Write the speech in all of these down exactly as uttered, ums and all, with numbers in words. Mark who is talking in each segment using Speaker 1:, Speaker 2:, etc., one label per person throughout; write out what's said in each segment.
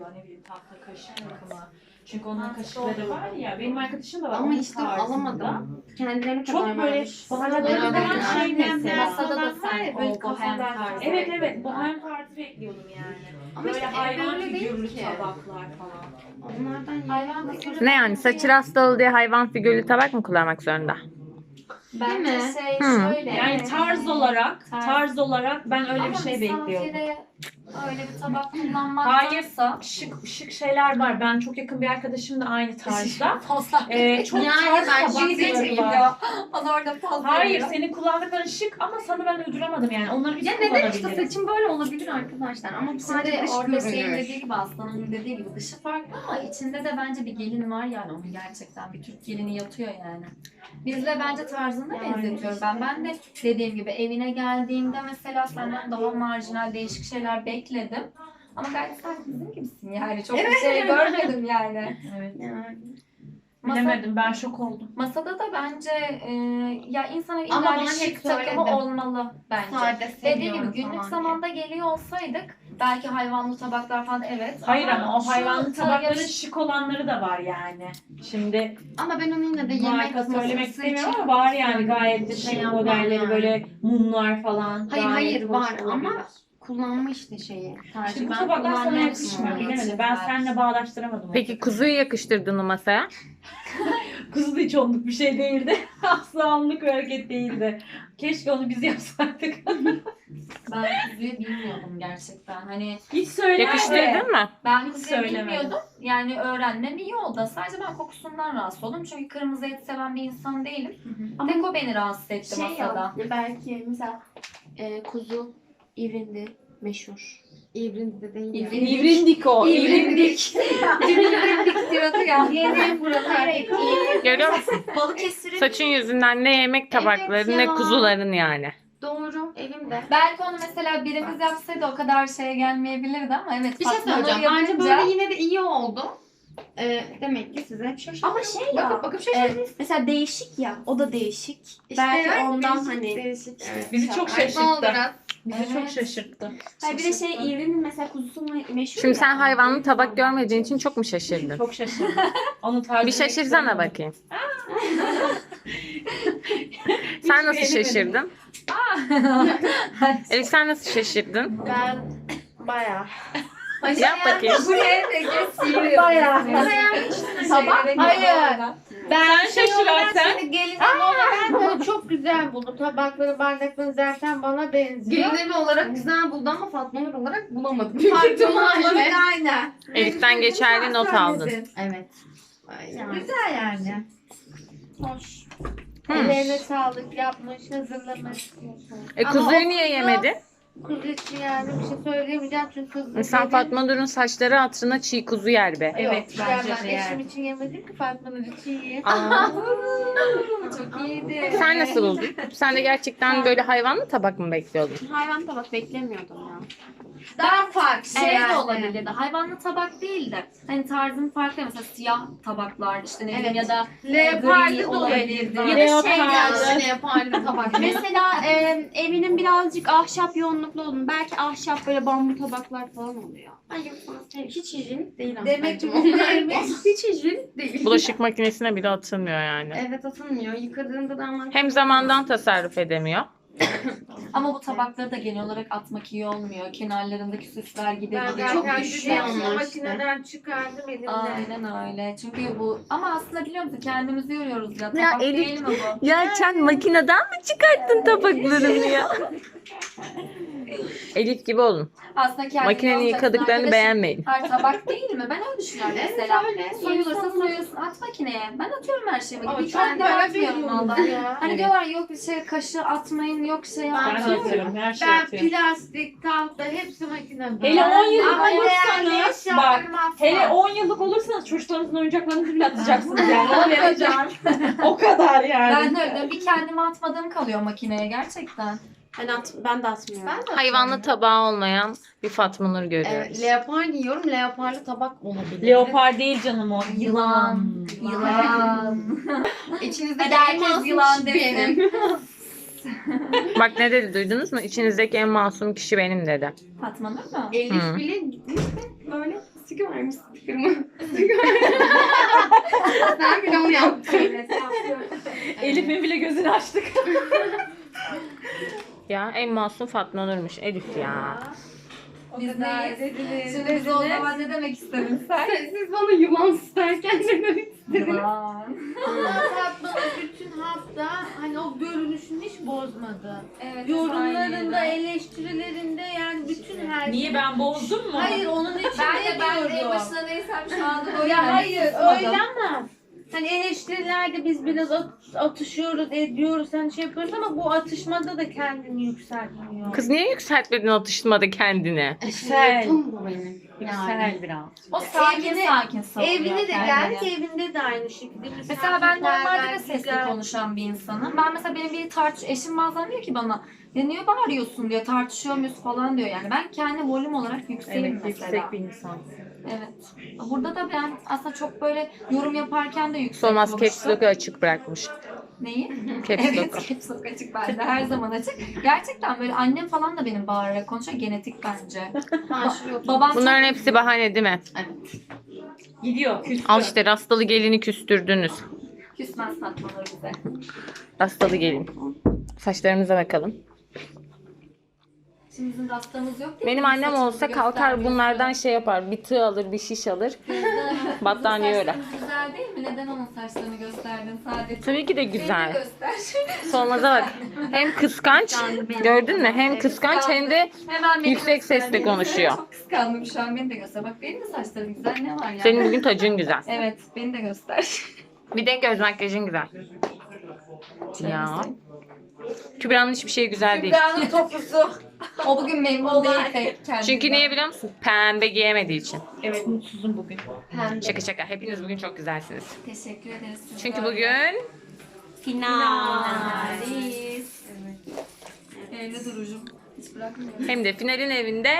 Speaker 1: alıyorlar ne bileyim tahta kaşık takımı. Çünkü onların kaşıkları var ya, benim arkadaşım da var.
Speaker 2: Ama
Speaker 1: onun
Speaker 2: işte
Speaker 1: tarzında.
Speaker 2: alamadım. Kendilerine
Speaker 1: Çok
Speaker 2: kadar
Speaker 1: böyle
Speaker 2: vermiş.
Speaker 1: baharatları
Speaker 2: Ben
Speaker 1: falan
Speaker 2: öyle
Speaker 1: şey mesela.
Speaker 3: Masada da sen
Speaker 4: böyle
Speaker 3: o bohem
Speaker 4: kafalar-
Speaker 3: tarzı.
Speaker 1: Evet evet, bohem tarzı bekliyordum yani.
Speaker 2: Ama
Speaker 1: Böyle
Speaker 2: işte evde
Speaker 1: hayvan
Speaker 2: öyle değil
Speaker 1: figürlü
Speaker 2: ki.
Speaker 1: tabaklar falan.
Speaker 2: Onlardan
Speaker 3: Hayvan figürü
Speaker 5: Ne yani saçı rastalı diye hayvan figürlü tabak mı kullanmak zorunda?
Speaker 3: bence
Speaker 2: Değil mi?
Speaker 3: şey
Speaker 5: Hı.
Speaker 3: şöyle.
Speaker 1: Yani tarz olarak,
Speaker 3: Tarz.
Speaker 1: tarz olarak ben öyle
Speaker 3: Ama
Speaker 1: bir şey bekliyordum.
Speaker 3: misafire öyle bir tabak
Speaker 1: Hayır,
Speaker 3: kullanmaktansa
Speaker 1: şık şık şeyler var. Ben çok yakın bir arkadaşım da aynı tarzda.
Speaker 3: pozlar.
Speaker 1: Ee, çok
Speaker 2: Yani
Speaker 1: tarz
Speaker 2: ben
Speaker 1: tabakları
Speaker 2: şey
Speaker 1: var.
Speaker 3: geliyor. Bana orada poz
Speaker 1: Hayır,
Speaker 3: veriyor.
Speaker 1: senin kullandıkların şık ama sana ben uyduramadım yani. Onları biz
Speaker 2: Ya neden işte
Speaker 1: kullanabiliriz.
Speaker 2: saçım böyle olabilir arkadaşlar ama bu sadece
Speaker 3: Şimdi
Speaker 2: dış
Speaker 3: orada şeyin
Speaker 2: görünüyor.
Speaker 3: dediği gibi Aslan'ın dediği gibi dışı farklı ama içinde de bence bir gelin var yani onun gerçekten bir Türk gelini yatıyor yani. Bizle bence tarzını
Speaker 1: Yani
Speaker 3: benzetiyorum ben. Ben de dediğim gibi evine geldiğimde mesela senden daha marjinal değişik şeyler bekledim. Ama gayet sen bizim gibisin yani. Çok bir şey görmedim yani.
Speaker 1: Evet.
Speaker 2: Yani.
Speaker 3: Masa,
Speaker 1: Bilemedim, ben şok oldum.
Speaker 3: masada da bence e, ya insanın
Speaker 2: Ama
Speaker 3: illa
Speaker 2: bana
Speaker 3: bir
Speaker 2: hep
Speaker 3: şık takımı
Speaker 2: söyledim.
Speaker 3: olmalı bence.
Speaker 2: Sade
Speaker 3: Dediğim
Speaker 2: seviyorum
Speaker 3: gibi günlük
Speaker 2: falan
Speaker 3: zamanda geliyor olsaydık belki hayvanlı tabaklar falan evet.
Speaker 1: Hayır ama o
Speaker 3: şu
Speaker 1: hayvanlı tabakların
Speaker 3: yarış-
Speaker 1: şık olanları da var yani. Şimdi
Speaker 2: diye. Ama ben onu yine de yemek
Speaker 1: marka söylemek
Speaker 2: masası
Speaker 1: istemiyorum
Speaker 2: için
Speaker 1: ama var yani gayet de
Speaker 2: şey
Speaker 1: şık
Speaker 2: yapmam
Speaker 1: modelleri
Speaker 2: yani.
Speaker 1: böyle mumlar falan.
Speaker 2: Hayır,
Speaker 1: gayet
Speaker 2: hayır,
Speaker 1: hoş
Speaker 2: var
Speaker 1: olabilir.
Speaker 2: ama kullanma işte şeyi. Tercih.
Speaker 1: İşte bu
Speaker 2: Ben
Speaker 1: tabaklar sana
Speaker 2: kullanmıyorum
Speaker 1: yakışmıyor.
Speaker 2: onu.
Speaker 1: Bilemedim. Ben seninle bağdaştıramadım.
Speaker 5: Peki kuzuyu yakıştırdın mı masaya?
Speaker 1: Kuzu da hiç onluk bir şey değildi. Asla onluk bir hareket değildi. Keşke onu biz yapsaydık.
Speaker 3: Ben kuzuyu bilmiyordum gerçekten. Hani
Speaker 1: Hiç söyleme.
Speaker 5: Yakıştırdın mı?
Speaker 3: ben
Speaker 1: Hiç
Speaker 3: kuzuyu
Speaker 1: söylemedim.
Speaker 3: bilmiyordum. Yani öğrenmem iyi oldu. Sadece ben kokusundan rahatsız oldum. Çünkü kırmızı et seven bir insan değilim.
Speaker 4: Ama
Speaker 3: Tek o beni rahatsız etti
Speaker 4: şey
Speaker 3: masada.
Speaker 4: ya, belki mesela e, kuzu İvrindi meşhur.
Speaker 2: İvrindi de değil ya.
Speaker 1: İvrindik o. İvrindik.
Speaker 3: İvrindik diyordu ya.
Speaker 4: Yeni buralar
Speaker 5: Görüyor musun?
Speaker 4: Balıkesir'in
Speaker 5: Saçın yüzünden ne yemek tabakları
Speaker 4: Evet
Speaker 5: ne
Speaker 4: ya.
Speaker 5: kuzuların yani.
Speaker 4: doğru evimde.
Speaker 3: Belki onu mesela birimiz yapsaydı o kadar şeye gelmeyebilirdi ama evet.
Speaker 2: Bir şey
Speaker 3: Fatma Nur
Speaker 2: söyleyeceğim. Bence
Speaker 3: yapınca-
Speaker 2: böyle yine de iyi oldu. Ee, demek ki size hep şaşırdım.
Speaker 4: Ama şey ya,
Speaker 2: Bakıp bakıp
Speaker 4: e,
Speaker 2: şaşırdınız.
Speaker 4: mesela değişik ya, o da değişik.
Speaker 2: İşte
Speaker 4: belki
Speaker 2: evet,
Speaker 4: ondan
Speaker 2: değişik,
Speaker 4: hani.
Speaker 2: değişik. Evet.
Speaker 1: Bizi çok
Speaker 2: Ay, ne oldu
Speaker 1: şaşırttı.
Speaker 2: biraz?
Speaker 1: Bizi
Speaker 3: Evet.
Speaker 1: çok şaşırttı.
Speaker 4: Hayır bir de şey İvrinin mesela kuzusu me- meşhur
Speaker 5: Şimdi
Speaker 4: ya.
Speaker 5: sen hayvanlı tabak görmediğin için çok mu şaşırdın?
Speaker 1: Çok şaşırdım. Onu tarzı
Speaker 5: Bir şaşırsana bakayım. Sen nasıl
Speaker 1: beğenemedim.
Speaker 5: şaşırdın? Elif sen nasıl şaşırdın?
Speaker 4: Ben bayağı.
Speaker 5: Yap bakayım.
Speaker 3: Buraya da geçiyor.
Speaker 4: Bayağı.
Speaker 3: Sabah?
Speaker 4: Hayır. Ben
Speaker 1: Sen şaşır Arsen.
Speaker 4: seni gelin olarak böyle çok güzel buldum. Tabakları, bardakları zaten bana benziyor.
Speaker 2: Gelin evi olarak güzel buldu ama Fatma Nur olarak bulamadım.
Speaker 4: Farklı olarak
Speaker 2: Evet.
Speaker 4: aynen.
Speaker 5: Elif'ten geçerli not aldın.
Speaker 2: Evet. Aynen.
Speaker 4: Güzel yani. Hoş.
Speaker 5: Hı.
Speaker 4: Ellerine sağlık yapmış, hazırlamış.
Speaker 5: E
Speaker 4: Ama
Speaker 5: kuzuyu
Speaker 4: o
Speaker 5: niye
Speaker 4: kuzu-
Speaker 5: yemedin?
Speaker 4: Kuzu için yani bir şey söyleyemeyeceğim çünkü kuzu
Speaker 5: Sen
Speaker 4: benim-
Speaker 5: Fatma Nur'un saçları hatırına çiğ kuzu yer be.
Speaker 1: Evet
Speaker 4: Ya
Speaker 1: bence
Speaker 4: ben
Speaker 1: de
Speaker 4: eşim
Speaker 1: yani.
Speaker 4: için yemedim ki Fatma'nın için yiyeyim.
Speaker 5: Aa,
Speaker 3: Çok iyiydi.
Speaker 5: sen nasıl buldun? Sen de gerçekten böyle hayvanlı tabak mı bekliyordun?
Speaker 4: Hayvan tabak beklemiyordum ya.
Speaker 3: Daha farklı şey
Speaker 4: Evet.
Speaker 3: de olabilirdi. Hayvanlı tabak değil de hani tarzın farklı mesela siyah tabaklar işte ne bileyim
Speaker 4: Evet.
Speaker 3: ya da
Speaker 4: Leopardı
Speaker 3: gri
Speaker 4: da
Speaker 3: olabilirdi.
Speaker 4: olabilir.
Speaker 3: Ya da
Speaker 4: şey
Speaker 2: Yani yapardı tabak.
Speaker 4: Mesela e, evinin birazcık ahşap yoğunluklu olduğunu, belki ahşap böyle bambu tabaklar falan oluyor.
Speaker 2: Hayır, hiç hijyenik değil
Speaker 3: Demek ki
Speaker 2: aslında.
Speaker 3: bunlar
Speaker 2: Hiç hijyenik değil.
Speaker 5: Bulaşık makinesine bile atılmıyor yani.
Speaker 2: Evet, atılmıyor. Yıkadığında da ama...
Speaker 5: Hem zamandan tasarruf edemiyor.
Speaker 3: ama bu tabakları da genel olarak atmak iyi olmuyor. Kenarlarındaki süsler
Speaker 4: Ben
Speaker 3: gidebiliyor.
Speaker 4: zaten
Speaker 2: çok
Speaker 4: çok
Speaker 2: güçlü onlar
Speaker 4: makineden çıkardım elimle.
Speaker 3: Aynen öyle. Çünkü bu ama aslında biliyor musun kendimizi yoruyoruz ya.
Speaker 5: Ya
Speaker 3: Tabak
Speaker 5: Elif-
Speaker 3: değil mi bu?
Speaker 5: Ya sen makineden mi çıkarttın tabaklarını ya? Elif gibi olun.
Speaker 3: Aslında kendini
Speaker 5: Makinenin
Speaker 3: yoracaksın
Speaker 5: yıkadıklarını
Speaker 3: arkadaşım.
Speaker 5: beğenmeyin.
Speaker 3: Her tabak değil mi? Ben öyle düşünüyorum mesela.
Speaker 4: öyle.
Speaker 3: Soyulursa
Speaker 4: İnsanlar-
Speaker 3: soyulsun at makineye. Ben atıyorum her şeyimi.
Speaker 4: Ama
Speaker 3: Bir
Speaker 4: çok
Speaker 3: tane
Speaker 4: para
Speaker 3: atmıyorum valla.
Speaker 4: veriyoruz ya.
Speaker 3: Hani
Speaker 5: Evet.
Speaker 3: diyorlar yok bir şey kaşığı atmayın yok şey
Speaker 1: Ben
Speaker 3: yapmayın.
Speaker 1: atıyorum. Her şey
Speaker 4: Ben
Speaker 1: atıyorum.
Speaker 4: plastik, tahta hepsi makinede.
Speaker 1: Hele on yıllık
Speaker 4: Ama değerli
Speaker 1: olursanız bak.
Speaker 4: eşyalarım asla.
Speaker 1: Hele on yıllık olursanız çocuklarınızın oyuncaklarını bile atacaksınız yani. Ona vereceğim. o kadar yani.
Speaker 3: Ben de öyle diyorum. Bir kendime atmadığım kalıyor makineye gerçekten.
Speaker 4: Ben, at, ben de atmıyorum.
Speaker 2: Ben de
Speaker 5: Hayvanlı tabağı olmayan bir Fatma Nur görüyoruz.
Speaker 2: Evet, leopar giyiyorum. Leoparlı tabak olabilir.
Speaker 1: Leopar değil canım o.
Speaker 3: Yılan. Yılan.
Speaker 2: İçinizde
Speaker 3: Hadi herkes yılan desin.
Speaker 2: benim.
Speaker 5: Bak ne dedi duydunuz mu? İçinizdeki en masum kişi benim dedi.
Speaker 3: Fatma Nur mu?
Speaker 2: Elif
Speaker 5: Hı.
Speaker 2: bile gitmiş de böyle Sticker vermiş sticker'ımı. Ben bile onu yaptım.
Speaker 3: Evet, yapıyorum.
Speaker 1: Elif'in bile gözünü açtık.
Speaker 5: Ya en masum Fatma Nur'muş Elif ya.
Speaker 3: Biz neyiz? Şimdi biz o zaman ne demek istedin sen?
Speaker 2: Siz bana yılan isterken ne demek istediniz?
Speaker 3: Yılan.
Speaker 6: Fatma bütün hafta hani o görünüşünü hiç bozmadı.
Speaker 3: Evet,
Speaker 6: Yorumlarında,
Speaker 3: aynıydı.
Speaker 6: eleştirilerinde yani bütün her
Speaker 1: Niye ben bozdum mu?
Speaker 6: Hayır onun için
Speaker 3: Ben de
Speaker 6: de
Speaker 3: ben de en
Speaker 6: diyorum.
Speaker 3: başına neysem şu anda böyle
Speaker 6: Ya hayır
Speaker 3: susmadım.
Speaker 6: öyle ama hani eleştirilerde biz biraz at- atışıyoruz, ediyoruz, hani şey yapıyoruz ama bu atışmada da kendini yükseltmiyor.
Speaker 5: Kız niye yükseltmedin atıştırmada kendini?
Speaker 1: Yüksel.
Speaker 2: Tam bu benim.
Speaker 1: Yüksel biraz.
Speaker 3: O sakin
Speaker 6: Evine-
Speaker 3: sakin savunuyor
Speaker 6: Evine de
Speaker 3: kendini.
Speaker 6: geldik, evinde de aynı şekilde.
Speaker 3: Mesela ben normalde de
Speaker 6: misafirperver,
Speaker 3: sesli
Speaker 6: güzel.
Speaker 3: konuşan bir insanım. Ben mesela benim bir tartış eşim bazen diyor ki bana ya niye bağırıyorsun diyor, tartışıyor muyuz falan diyor yani. Ben kendi volüm olarak yükseğim
Speaker 1: Evet,
Speaker 3: mesela.
Speaker 1: yüksek bir insan.
Speaker 3: Evet. Burada da ben aslında çok böyle yorum yaparken de yüksek
Speaker 5: Solmaz
Speaker 3: konuştum.
Speaker 5: caps lock'u açık bırakmış.
Speaker 3: Neyi?
Speaker 5: Caps
Speaker 3: Evet,
Speaker 5: lock'u.
Speaker 3: caps lock açık bende. Her zaman açık. Gerçekten böyle annem falan da benim bağırarak konuşuyor. Genetik bence.
Speaker 2: Ha, şuraya
Speaker 3: Babam
Speaker 5: Bunların
Speaker 3: çok...
Speaker 5: hepsi bahane değil mi?
Speaker 3: Evet.
Speaker 1: Gidiyor. Küstü.
Speaker 5: Al işte rastalı gelini küstürdünüz.
Speaker 3: Küsmez tatmaları bize.
Speaker 5: Rastalı gelin. Saçlarımıza bakalım.
Speaker 3: Şimdi bizim rastamız yok değil mi?
Speaker 5: Benim annem
Speaker 3: Saçımızı
Speaker 5: olsa kalkar
Speaker 3: göstermiyorsun.
Speaker 5: bunlardan şey yapar. Bir tığ alır, bir şiş alır. Battaniye öyle.
Speaker 3: Saçlarımız güzel değil mi? Neden onun saçlarını gösterdin sadece?
Speaker 5: Tabii ki de
Speaker 3: Beni de
Speaker 5: güzel.
Speaker 3: göster.
Speaker 5: Solmaz'a bak. Hem kıskanç, gördün mü? Hem kıskanç hem de
Speaker 3: Hemen beni
Speaker 5: yüksek
Speaker 3: göster.
Speaker 5: sesle konuşuyor.
Speaker 3: Çok kıskandım şu an. Beni de göster. Bak benim de saçlarım güzel. Ne var ya?
Speaker 5: senin bugün tacın güzel.
Speaker 3: Evet. Beni de göster.
Speaker 5: Bir de göz makyajın güzel. Ya. Kübra'nın hiçbir şey güzel değil.
Speaker 3: Kübra'nın topuzu. O bugün memnun değil pek kendinden.
Speaker 5: Çünkü niye biliyor musun? Pembe giyemediği için.
Speaker 1: Evet mutsuzum bugün.
Speaker 3: Pembe.
Speaker 5: Şaka şaka. Hepiniz bugün çok güzelsiniz.
Speaker 3: Teşekkür ederiz. Siz
Speaker 5: Çünkü
Speaker 3: böyle.
Speaker 5: bugün
Speaker 4: Final.
Speaker 3: Finaliz. Evde durucum. Hiç bırakmıyorum.
Speaker 5: hem de finalin evinde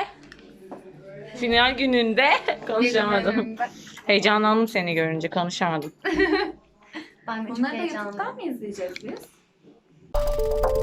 Speaker 5: final gününde konuşamadım. Heyecanlandım seni görünce konuşamadım.
Speaker 3: Ben de Bunları da YouTube'dan mı izleyeceğiz biz?